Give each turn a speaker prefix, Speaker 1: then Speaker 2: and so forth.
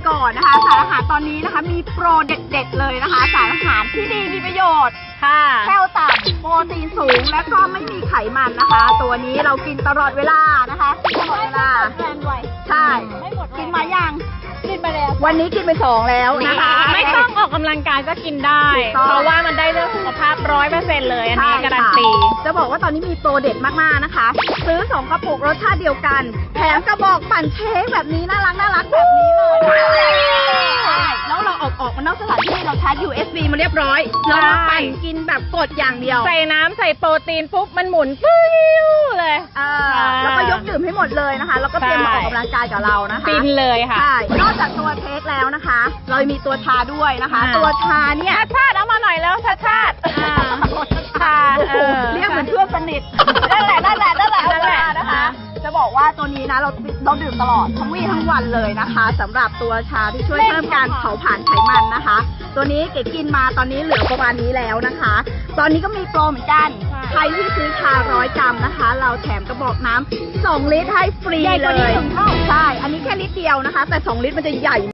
Speaker 1: ก่อนนะคะสารอาหารตอนนี้นะคะมีโปรเด็ดๆเลยนะคะสารอาหารที่ดีมีประโยชน์
Speaker 2: ค่ะ
Speaker 1: แคลต่ำโปรตีนสูงและก็ไม่มีไขมันนะคะ ตัวนี้เรากินตลอดเวลานะคะตลอดเวลาใช่กินมายังกินไปแล้ววันนี้กินไป2แล้วนะคะ
Speaker 2: ไม่ต้องออกกำลังกายก็กินได้ เพราะว่ามันได้เรื่องสุขภาพ100%เลยอันนี้การันตี
Speaker 1: จะบอกว่าตอนนี้มีโปรเด็ดมากๆนะคะซื้อ2กระปุกรสชาติเดียวกันแถมกระบอกปั่นเค้กแบบนี้น่ารักแบบนี้เลยใช่แล้วเราออกมานอกสถานที่เราชาร์จ USB มาเรียบร้อยเรามาปั่นกินแบบกดอย่างเดียว
Speaker 2: ใส่น้ำใส่โปรตีนปุ๊บมันหมุนปิ้วเลย
Speaker 1: แล้วก็ยกดื่มให้หมดเลยนะคะแล้วก็เตรียมมาออกกำลังกายกับเรานะคะ
Speaker 2: ฟินเลยค่ะ
Speaker 1: ใช่นอกจากตัวเค้กแล้วนะคะ เรามีตัวชาด้วยนะคะตัวชาเนี่ย
Speaker 2: ชาติเอามาหน่อยแล้วชาชา
Speaker 1: เรียกเหมือนเพื่อนสนิทนั่นแหละนะคะจะบอกว่าตัวนี้นะเราดื่มตลอดทั้งวี่ทั้งวันเลยนะคะสำหรับตัวชาที่ช่วยเพิ่มการเผาผลาญไขมันนะคะ ตัวนี้เก๋กินมาตอนนี้เหลือประมาณนี้แล้วนะคะ ตอนนี้ก็มีโปรเหมือนกันใครที่ซื้อชา100 กรัมนะคะ เราแถมกระบอกน้ำ2 ลิตรให้ฟรีเลยใช่อันนี้แค่ลิตรเดียวนะคะแต่2 ลิตรมันจะใหญ่